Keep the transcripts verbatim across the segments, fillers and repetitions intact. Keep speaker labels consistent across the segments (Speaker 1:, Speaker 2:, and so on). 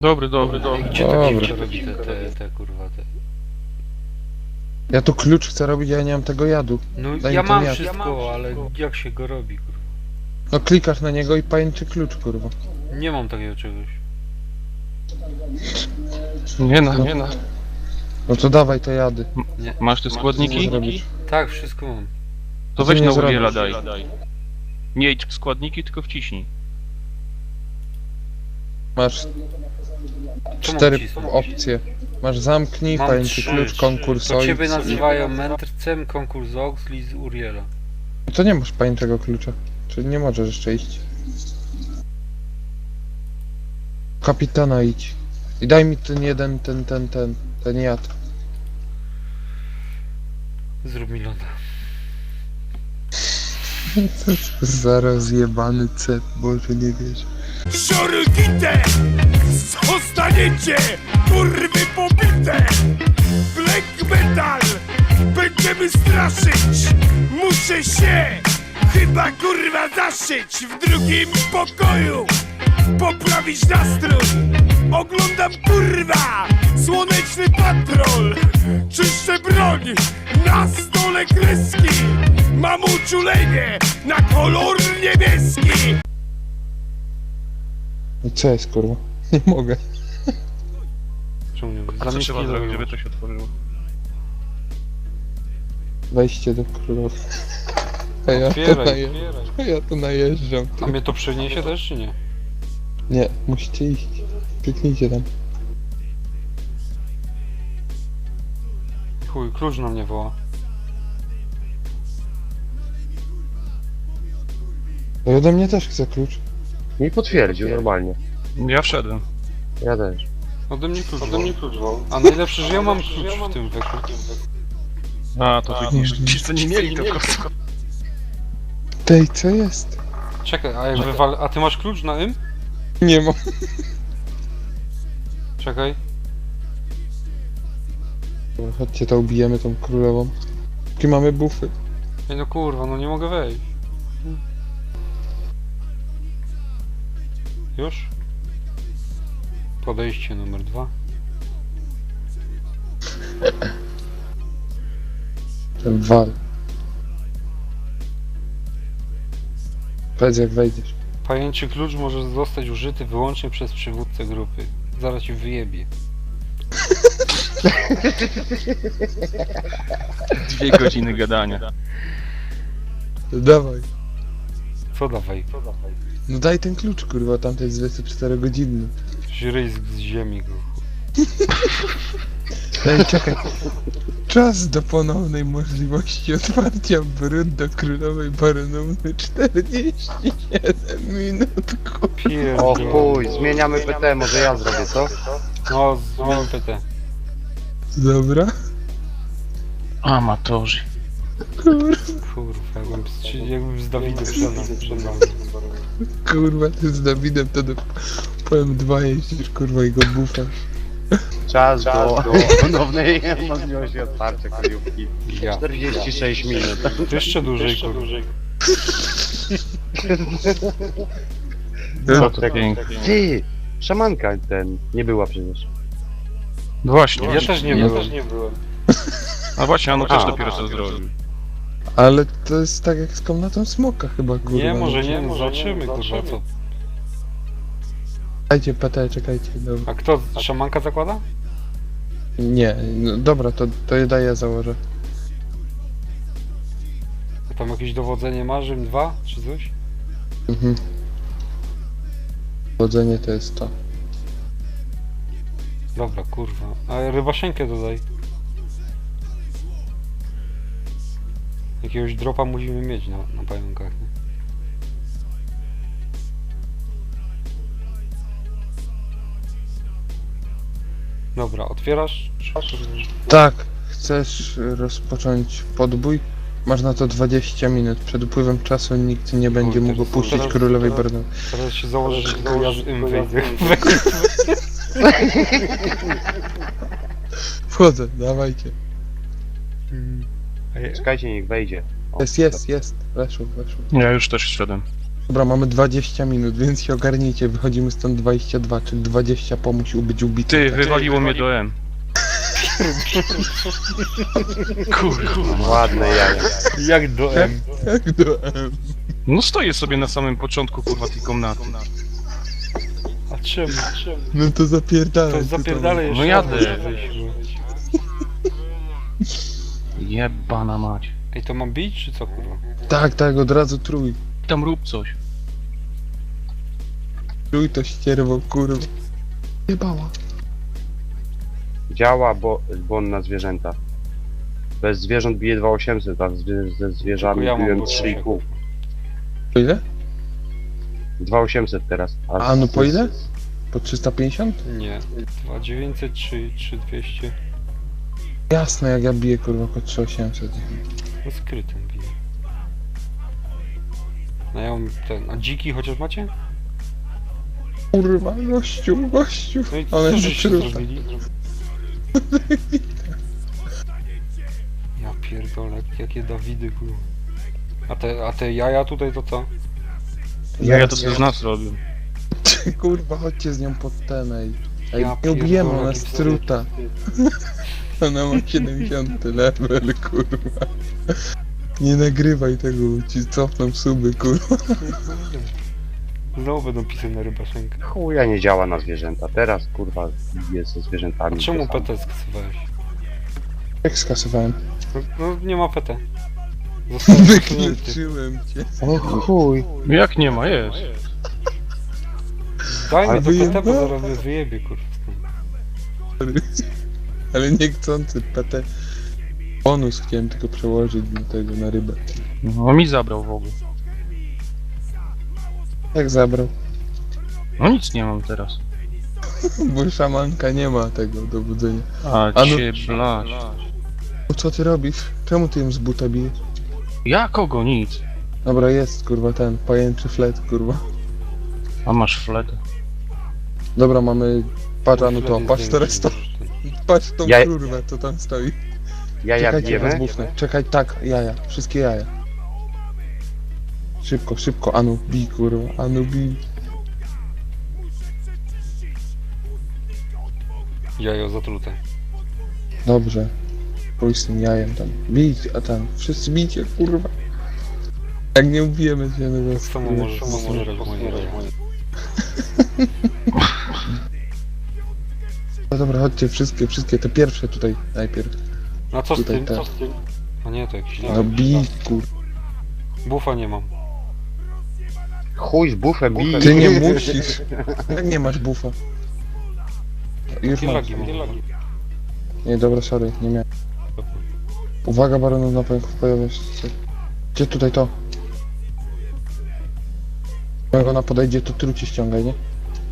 Speaker 1: Dobry, dobry, dobry.
Speaker 2: Gdzie to
Speaker 3: Dobra.
Speaker 2: dziwka robi te, te, te kurwa te...
Speaker 3: Ja tu klucz chcę robić, ja nie mam tego jadu.
Speaker 2: No
Speaker 3: Daj
Speaker 2: ja
Speaker 3: mi ten
Speaker 2: mam
Speaker 3: jad.
Speaker 2: wszystko, ale jak się go robi kurwa?
Speaker 3: No klikasz na niego i pajęczy klucz, kurwa.
Speaker 2: Nie mam takiego czegoś.
Speaker 1: Nie na, nie na.
Speaker 3: No to dawaj te jady.
Speaker 2: Nie.
Speaker 1: Masz te
Speaker 3: Co
Speaker 1: składniki?
Speaker 3: zrobisz?
Speaker 2: Tak, wszystko mam.
Speaker 1: To
Speaker 3: Co
Speaker 1: weź
Speaker 3: nie
Speaker 1: na
Speaker 3: zrobisz?
Speaker 1: uwiela daj. Nie idź w składniki, tylko wciśnij.
Speaker 3: Masz
Speaker 2: Co mam
Speaker 3: cztery
Speaker 2: wcisnąć?
Speaker 3: opcje. Masz zamknij,
Speaker 2: Mam
Speaker 3: pajęczy
Speaker 2: trzy.
Speaker 3: klucz, konkurs
Speaker 2: To ciebie
Speaker 3: ojc.
Speaker 2: nazywają mędrcem, konkurs Oxley z Uriela.
Speaker 3: To nie masz pajęczego klucza. Czyli nie możesz jeszcze iść. Kapitana idź. I daj mi ten jeden, ten, ten, ten, ten jad.
Speaker 2: Zrób mi loda.
Speaker 3: Zaraz jebany cep, Boże nie wiesz.
Speaker 4: Szorgite! Zostaniecie, kurwy pobite! Black metal! Będziemy straszyć! Muszę się chyba kurwa zaszyć w drugim pokoju! Poprawić nastrój! Oglądam kurwa! Słoneczny patrol! Czyszczę broń! Na stole kreski! Mam uczulenie na kolor niebieski!
Speaker 3: I co jest, kurwa? Nie mogę.
Speaker 2: Czemu nie?
Speaker 1: A co trzeba zrobić, żeby to się otworzyło?
Speaker 3: Wejście do królowej. A ja to,
Speaker 2: Otwieraj,
Speaker 3: naje...
Speaker 2: otwieraj.
Speaker 3: A ja to najeżdżam.
Speaker 2: A mnie to przeniesie też czy nie?
Speaker 3: Nie, musicie iść. Kliknijcie tam.
Speaker 2: Chuj, klucz na mnie woła.
Speaker 3: No i ode mnie też chce klucz.
Speaker 5: Mi potwierdził normalnie.
Speaker 1: Ja wszedłem.
Speaker 5: Ja też.
Speaker 2: Ode mnie klucz Ode mnie klucz woła. A najlepsze, że ja mam klucz w tym weku.
Speaker 1: A, to tu niż ci co nie mieli to kostko.
Speaker 3: Tej, co jest?
Speaker 2: Czekaj, a jak wywal... A ty masz klucz na im?
Speaker 3: Nie mam.
Speaker 2: Czekaj.
Speaker 3: Dobra, chodźcie, to ubijemy tą królową. Jakie mamy bufy?
Speaker 2: Ej no kurwa, no nie mogę wejść. Już? Podejście numer dwa.
Speaker 3: Wal. Powiedz jak wejdziesz.
Speaker 2: Pajęczy klucz może zostać użyty wyłącznie przez przywódcę grupy. Zaraz ci wyjebie.
Speaker 1: Dwie godziny gadania.
Speaker 3: Dawaj.
Speaker 2: Co dawaj?
Speaker 3: No daj ten klucz, kurwa, tamtej jest dwadzieścia cztery godzinny.
Speaker 2: Ryjsk z ziemi go.
Speaker 3: Daj, czekaj. Czas do ponownej możliwości otwarcia brud do królowej baronowny czterdzieści siedem minut, kurwa.
Speaker 5: O
Speaker 2: Pierdolę.
Speaker 5: chuj, zmieniamy P T, może ja zrobię, co?
Speaker 2: No, zmień P T.
Speaker 3: Dobra?
Speaker 1: Amatorzy.
Speaker 2: Kurwa, jakbym z, jakbym z Dawidem przed przed nami.
Speaker 3: Kurwa, ty z Dawidem to do powiem dwa jeździsz, kurwa, i go bufasz.
Speaker 5: Czas do ponownej możliwości otwarcia kryjówki.
Speaker 2: Ja.
Speaker 5: czterdzieści sześć minut.
Speaker 2: To jeszcze dłużej, kurwa.
Speaker 1: No to pięknie.
Speaker 5: Ty! Szamanka ten, nie była przecież.
Speaker 1: No właśnie.
Speaker 2: Ja też nie byłem.
Speaker 1: A właśnie, ono też
Speaker 5: A.
Speaker 1: dopiero co zrobił.
Speaker 3: Ale to jest tak jak z komnatą smoka chyba, kurwa.
Speaker 2: Nie,
Speaker 3: no.
Speaker 2: może nie, no zobaczymy, kurwa, co.
Speaker 3: Dajcie P T, czekajcie, dobra.
Speaker 2: A kto, szamanka zakłada?
Speaker 3: Nie, no, dobra, to, to je daję, założę.
Speaker 2: A tam jakieś dowodzenie ma, Rzym dwa, czy coś?
Speaker 3: Mhm. Chodzenie to jest to.
Speaker 2: Dobra, kurwa. A rybaszenkę dodaj. Jakiegoś dropa musimy mieć na, na pająkach, nie? Dobra, otwierasz?
Speaker 3: Tak, chcesz rozpocząć podbój? Masz na to dwadzieścia minut. Przed upływem czasu nikt nie będzie
Speaker 2: Kurde,
Speaker 3: mógł puścić
Speaker 2: teraz-
Speaker 3: królowej
Speaker 2: teraz-
Speaker 3: Barnowej.
Speaker 2: Teraz się założę, że tylko ja z im wyjdę.
Speaker 3: Wchodzę, dawajcie.
Speaker 2: A ja-
Speaker 5: Czekajcie, niech wejdzie. O,
Speaker 3: Jest, jest, jest. Weszło, weszło.
Speaker 1: Ja już też wszedłem.
Speaker 3: Dobra, mamy dwadzieścia minut, więc się ogarnijcie. Wychodzimy stąd dwadzieścia dwa, czyli dwadzieścia po musi być ubity.
Speaker 1: Ty, wywaliło mnie do M. Kurwa.
Speaker 5: Ładne jaja.
Speaker 2: Jak do M.
Speaker 3: Jak do M.
Speaker 1: No stoję sobie na samym początku kurwa tej komnaty.
Speaker 2: A czemu? czemu?
Speaker 3: No to zapierdalaj.
Speaker 2: To
Speaker 3: ty
Speaker 2: zapierdalaj jeszcze.
Speaker 1: No jadę.
Speaker 2: raz, weźmy.
Speaker 1: Jebana mać.
Speaker 2: Ej, to mam bić, czy co kurwa?
Speaker 3: tam. Tak, tak, od razu trój.
Speaker 1: Tam rób coś.
Speaker 3: Trój to ścierwo, kurwa. Jebała.
Speaker 5: Działa, bo bon na zwierzęta. Bez zwierząt bije dwa tysiące osiemset, a zwie- ze zwierzami
Speaker 2: Tylko ja mam
Speaker 5: biłem
Speaker 2: go
Speaker 5: trzy i pół.
Speaker 3: Po ile?
Speaker 5: dwa tysiące osiemset teraz.
Speaker 3: A no po ile? Po trzysta pięćdziesiąt?
Speaker 2: Nie. dwa dziewięćset, trzy dwieście.
Speaker 3: Jasne, jak ja biję, kurwa, po trzy osiemset.
Speaker 2: No skrytym bije. No ja mam ten. A dziki chociaż macie?
Speaker 3: Kurwa, gościu, gościu.
Speaker 2: No i
Speaker 3: Ale
Speaker 2: co
Speaker 3: nie
Speaker 2: żeście
Speaker 3: przyruta.
Speaker 2: zrobili? Ja pierdolę, jakie Dawidy kurwa. A te, a te jaja tutaj to co?
Speaker 1: Ja, ja to z nas robię.
Speaker 3: Kurwa, chodźcie z nią pod ten, ej. Ej,
Speaker 2: Ja
Speaker 3: nie ubijemy,
Speaker 2: pierdolę,
Speaker 3: ona
Speaker 2: jaki
Speaker 3: jest truta. Ona ma siedemdziesiąty level, kurwa. Nie nagrywaj tego, ci cofną suby, kurwa.
Speaker 2: Znowu będą pisy na rybaszenkę.
Speaker 5: Chuja nie działa na zwierzęta. Teraz kurwa bije ze
Speaker 2: A
Speaker 5: zwierzętami.
Speaker 2: czemu
Speaker 5: To samo.
Speaker 2: P T skasowałeś?
Speaker 3: Jak skasowałem?
Speaker 2: No, no nie ma P T. Zostałem usunięty.
Speaker 3: Wykluczyłem cię.
Speaker 5: O chuj.
Speaker 1: No jak nie ma, jest.
Speaker 2: Daj mi
Speaker 5: Ale
Speaker 2: to P T, bo
Speaker 3: wyjebałem.
Speaker 2: zaraz mnie wyjebie kurwa.
Speaker 3: Ale niechcący, P T. Bonus chciałem tylko przełożyć na tego, na rybę.
Speaker 1: No mi zabrał w ogóle.
Speaker 3: Jak zabrał?
Speaker 1: No nic nie mam teraz.
Speaker 3: Bo szamanka nie ma tego dowodzenia.
Speaker 1: A
Speaker 3: A no-
Speaker 1: cię blaś.
Speaker 3: No co ty robisz? Czemu ty ją z buta bijesz?
Speaker 1: Ja kogo? Nic.
Speaker 3: Dobra, jest, kurwa, ten pajęczy flet, kurwa.
Speaker 1: A masz fletę.
Speaker 3: Dobra, mamy... Patrz, Anu, to,
Speaker 2: Wtedy
Speaker 3: patrz
Speaker 2: zdjęcie
Speaker 3: teraz to.
Speaker 2: możesz ten-
Speaker 3: Patrz tą
Speaker 5: Ja-
Speaker 3: kurwę, co tam stoi.
Speaker 5: Jaja
Speaker 3: Czekajcie, was
Speaker 5: bijemy?
Speaker 3: bufnę. Czekaj, tak, jaja. Wszystkie jaja. Szybko, szybko, Anu, bij, kurwa, Anu, bij.
Speaker 2: Jajo zatrute.
Speaker 3: Dobrze. Pójdź z tym jajem tam. Bij, a tam, wszyscy bijcie, kurwa. Jak nie ubijemy się, no to...
Speaker 2: Samo możesz posłuchać moje jaja.
Speaker 3: No dobra, chodźcie, wszystkie, wszystkie, te pierwsze tutaj, najpierw.
Speaker 2: A co z
Speaker 3: Tutaj
Speaker 2: tym?
Speaker 3: tak.
Speaker 2: Co z tym? A nie, to jakiś
Speaker 3: No
Speaker 2: lag.
Speaker 3: bij, kurwa.
Speaker 2: Bufa nie mam.
Speaker 5: Chuj z bufem bij.
Speaker 3: Ty nie musisz. Jak nie masz bufa? Już
Speaker 2: Jakie
Speaker 3: mam.
Speaker 2: lagi mam?
Speaker 3: Nie, dobra, sorry, nie miałem. Uwaga, baronów na pęków pojawia się. Gdzie tutaj to? Jak ona podejdzie, to trucie ściągaj, nie?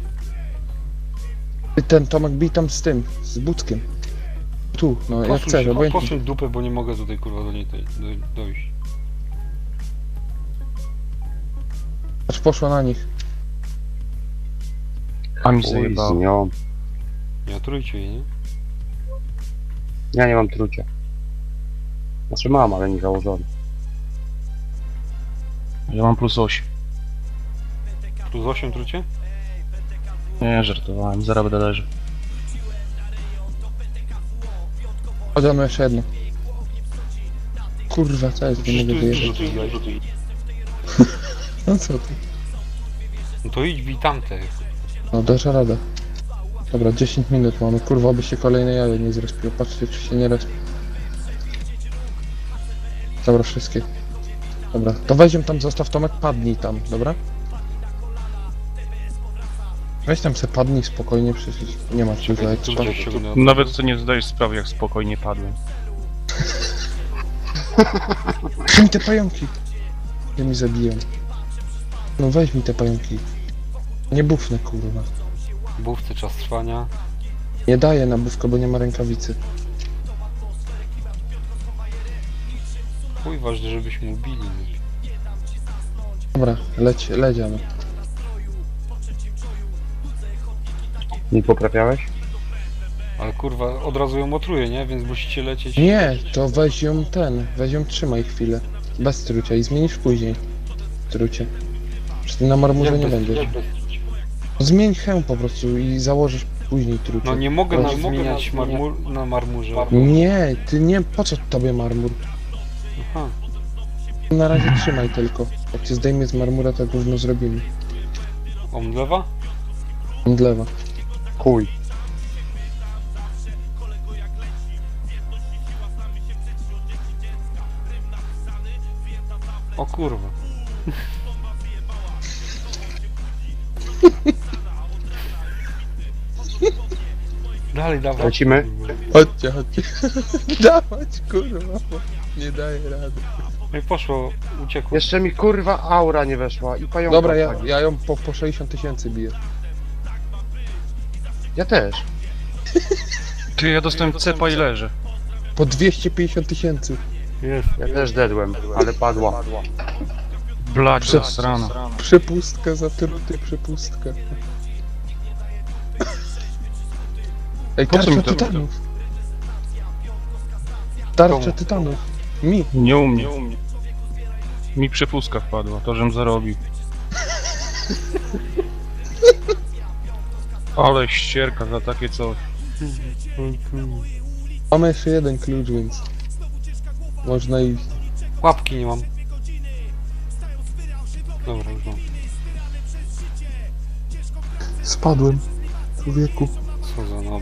Speaker 3: Ty, ten Tomek bij tam z tym, z Buckiem. Tu, no jak
Speaker 2: Posuń
Speaker 3: chcesz,
Speaker 2: się,
Speaker 3: obojętnie.
Speaker 2: posuń dupę, bo nie mogę tutaj kurwa do niej doj- doj- dojść.
Speaker 3: Aż poszła na nich.
Speaker 1: A mi
Speaker 5: Chuj z
Speaker 1: zajebało.
Speaker 5: nią.
Speaker 2: Nie otrujcie jej, nie?
Speaker 5: Ja nie mam trucia. Znaczy mam, ale nie założony.
Speaker 1: Ja mam plus osiem.
Speaker 2: Plus osiem trucie?
Speaker 1: Nie, żartowałem. Zaraz będę leży.
Speaker 3: Chodź, no jeszcze jedno. Kurwa, co jest, nie
Speaker 2: Przecież tu
Speaker 3: mogę
Speaker 2: jest dużo
Speaker 3: wyjechać.
Speaker 2: tych jaj.
Speaker 3: No co ty?
Speaker 2: No to idź bij tamte.
Speaker 3: No dasz radę. Dobra, dziesięć minut mamy, kurwa, by się kolejne jajo nie zrespiło. Patrzcie, czy się nie respi. Dobra, wszystkie. Dobra, to weź ją tam, zostaw Tomek, padnij tam, dobra? Weź tam se padnij spokojnie, przecież nie ma dużo
Speaker 2: Czekaj,
Speaker 3: ekstra.
Speaker 2: trucie ściągnę.
Speaker 1: Nawet sobie nie zdajesz sprawy, jak spokojnie padłem.
Speaker 3: Weź mi te pająki! Ja mi zabiję. No weź mi te pająki. Nie bufnę, kurwa.
Speaker 2: Bówce czas trwania.
Speaker 3: Nie daję na bufkę, bo nie ma rękawicy.
Speaker 2: Chuj ważne, żebyśmy ubili.
Speaker 3: Dobra, leć, leciamy.
Speaker 5: Nie poprawiałeś?
Speaker 2: Ale kurwa, od razu ją otruję, nie? Więc musicie lecieć.
Speaker 3: Nie, to weź ją ten, weź ją trzymaj chwilę. Bez trucia i zmienisz później. Trucie. Czy ty na marmurze
Speaker 2: Jak
Speaker 3: nie
Speaker 2: bez-
Speaker 3: będziesz?
Speaker 2: jak bez-
Speaker 3: Zmień hełm po prostu i założysz później trucie.
Speaker 2: No nie mogę
Speaker 3: No,
Speaker 2: na
Speaker 3: nie mogę
Speaker 2: zmieniać
Speaker 3: na-
Speaker 2: marmur na marmurze.
Speaker 3: Nie, ty nie, po co tobie marmur?
Speaker 2: Aha.
Speaker 3: Na razie trzymaj tylko. Jak cię zdejmie z marmura, to gówno zrobimy.
Speaker 2: Omdlewa?
Speaker 3: Mdlewa.
Speaker 5: Chuj.
Speaker 2: O kurwa. Dalej, dawaj.
Speaker 5: Lecimy?
Speaker 3: Chodźcie, chodźcie. Dawać, kurwa, bo nie daję rady.
Speaker 2: No i poszło, uciekło.
Speaker 5: Jeszcze mi kurwa aura nie weszła i pająka.
Speaker 3: Dobra, ja,
Speaker 5: wpadli.
Speaker 3: ja ją po, po sześćdziesiąt tysięcy biję.
Speaker 5: Ja też.
Speaker 1: Ty, ja dostałem cepa i leżę.
Speaker 3: Po dwieście pięćdziesiąt tysięcy.
Speaker 2: Jest.
Speaker 5: Ja też dedłem, ale padła.
Speaker 1: Blać
Speaker 3: Prze-
Speaker 1: zasrana.
Speaker 3: Przepustka za truty, przepustka. Ej,
Speaker 1: Po co
Speaker 3: tarcza
Speaker 1: mi to-
Speaker 3: tytanów. Tarcza
Speaker 2: Komu?
Speaker 3: tytanów. Mi.
Speaker 1: Nie u mnie. Mi przepustka wpadła, to żem zarobił. Ale ścierka za takie coś.
Speaker 3: Mamy jeszcze jeden klucz, więc... Można iść.
Speaker 2: Łapki nie mam. Dobra, już mam.
Speaker 3: Spadłem. Człowieku.
Speaker 2: Co za nowy.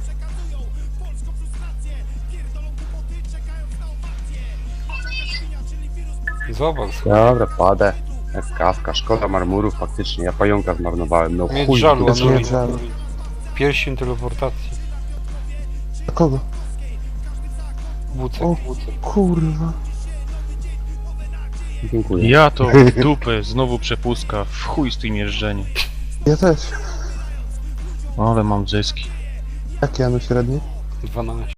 Speaker 2: Zobacz,
Speaker 5: Dobra, padę. Jak kawka, szkoda marmurów faktycznie, ja pająka zmarnowałem, no
Speaker 2: mieć
Speaker 5: chuj.
Speaker 2: żalu,
Speaker 3: bez
Speaker 2: anuluj.
Speaker 3: mieć żalu.
Speaker 2: Pierścień teleportacji.
Speaker 3: A kogo?
Speaker 2: Bucek,
Speaker 3: O.
Speaker 2: bucek.
Speaker 3: Kurwa.
Speaker 5: Dziękuję.
Speaker 1: Ja to w dupę, znowu przepustka, w chuj z tym jeżdżeniem.
Speaker 3: Ja też.
Speaker 1: Ale mam zyski.
Speaker 3: Jakie Janu średnie?
Speaker 2: dwanaście.